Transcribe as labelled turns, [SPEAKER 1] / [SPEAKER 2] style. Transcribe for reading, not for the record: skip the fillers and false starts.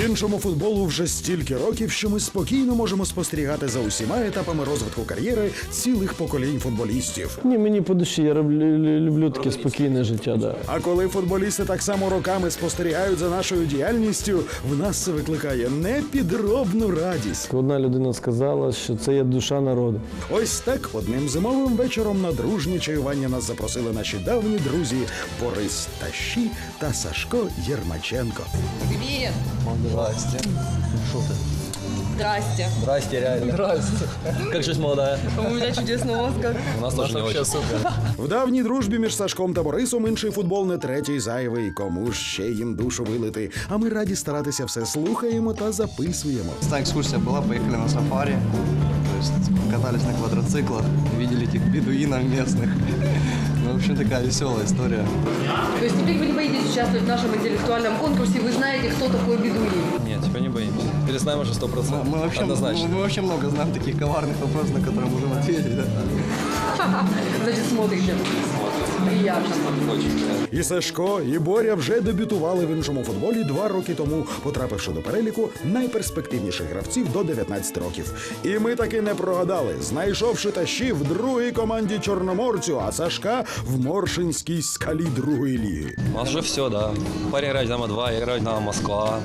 [SPEAKER 1] Іншому футболу вже стільки років, що ми спокійно можемо спостерігати за усіма етапами розвитку кар'єри цілих поколінь футболістів.
[SPEAKER 2] Ні, мені по душі, я люблю таке спокійне життя, да.
[SPEAKER 1] А коли футболісти так само роками спостерігають за нашою діяльністю, в нас це викликає непідробну радість.
[SPEAKER 2] Одна людина сказала, що це є душа народу.
[SPEAKER 1] Ось так одним зимовим вечором на дружнє чаювання нас запросили наші давні друзі Борис Тащі та Сашко Єрмаченко.
[SPEAKER 3] Привет.
[SPEAKER 4] Здрасте. Что ты?
[SPEAKER 3] Здрасте.
[SPEAKER 4] Здрасте, реально. Здрасте. Как жизнь молодая?
[SPEAKER 3] У меня чудесный мозг.
[SPEAKER 4] У нас тоже не очень. Супер.
[SPEAKER 1] В давній дружбі між Сашком та Борисом інший футбол не третій зайвий. Кому ж ще їм душу вилити? А ми раді старатися все слухаємо та записуємо.
[SPEAKER 5] Та экскурсия была, поехали на сафари, то есть катались на квадроциклах, видели этих бедуинов местных. Ну, в общем, такая веселая история.
[SPEAKER 3] То есть теперь вы не боитесь участвовать в нашем интеллектуальном конкурсе, вы знаете, кто такой бедуин.
[SPEAKER 4] Нет, теперь не боимся. Перезнаем уже 100%. Однозначно.
[SPEAKER 5] Мы вообще много знаем таких коварных вопросов, на которые можем ответить. Да?
[SPEAKER 3] Значит, смотрите. Приятно.
[SPEAKER 1] І Сашко, і Боря вже дебютували в іншому футболі 2 роки тому, потрапивши до переліку найперспективніших гравців до 19 років. І ми таки не прогадали, знайшовши Тащі в другій команді Чорноморцю, а Сашка в Моршинській Скалі другої ліги.
[SPEAKER 4] У нас уже все, да. Парень играет Динамо 2, я играю Динамо Москва.